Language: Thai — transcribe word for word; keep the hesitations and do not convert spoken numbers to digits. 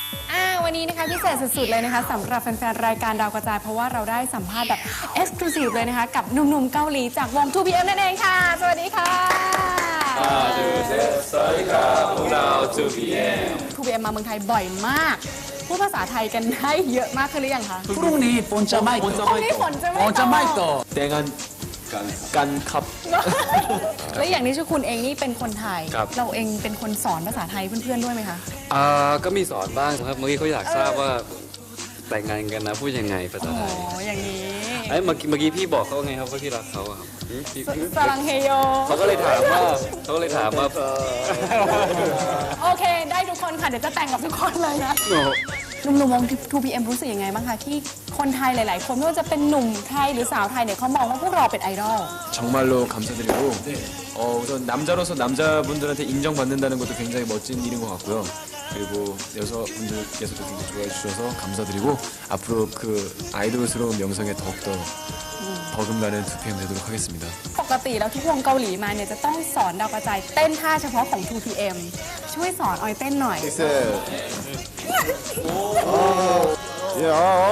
อ่าวันนี้นะคะพิเศษสุดๆเลยนะคะสำหรับแฟนๆรายการดาวกระจายเพราะว่าเราได้สัมภาษณ์แบบเอ็กซ์คลูซีฟเลยนะคะกับหนุ่มๆเกาหลีจากวง ทู พี เอ็ม นั่นเองค่ะสวัสดีค่ะสวัสดีครับพวกเรา ทู พี เอ็มทู พี เอ็ม มาเมืองไทยบ่อยมากพูดภาษาไทยกันได้เยอะมากขึ้นหรือยังคะพรุ่งนี้ฝนจะไม่ตกพรุ่งนี้ฝนจะไม่ฝนจะไม่ตกแต่งานกันกันครับแล้วอย่างนี้ชื่อคุณเองนี่เป็นคนไทยครับเราเองเป็นคนสอนภาษาไทยเพื่อนๆด้วยไหมคะอ่าก็มีสอนบ้างครับเมื่อกี้เขาอยากทราบว่าแต่งงานกันนะพูดยังไงภาษาอ๋ไทอย อย่างนี้ไอ้ยเมื่อกี้เมื่อกี้พี่บอกเขาไงครับว่าพี่รักเขาอะครับหืมพี่สลังเฮโยเขาก็เลยถามว่าเขาก็เลยถามว่าโอเค ได้ทุกคนค่ะ เดี๋ยวจะแต่งกับทุกคนเลยนะโอ้โหหนุ่มๆวง ทู พี เอ็ม รู้สึกยังไงบ้างคะที่คนไทยหลายๆ คนไม่ว่าจะเป็นหนุ่มไทยหรือสาวไทยเนี่ยเขามองว่าพวกเราเป็นไอดอล 정말로 감사드리고 어, 우선 남자로서 남자분들한테 인정받는다는 것도 굉장히 멋진 일인 것 같고요. 그리고 여성분들께서도 굉장히 좋아해 주셔서 감사드리고 앞으로 그 아이돌스러운 명성에 더욱더 버금가는 투피엠 되도록 하겠습니다. ปกติแล้วทุกวงเกาหลีมาเนี่ยจะต้องสอนดาวกระจายเต้นท่าเฉพาะของ ทู พี เอ็ม ช่วยสอนออยเต้นหน่อย 야,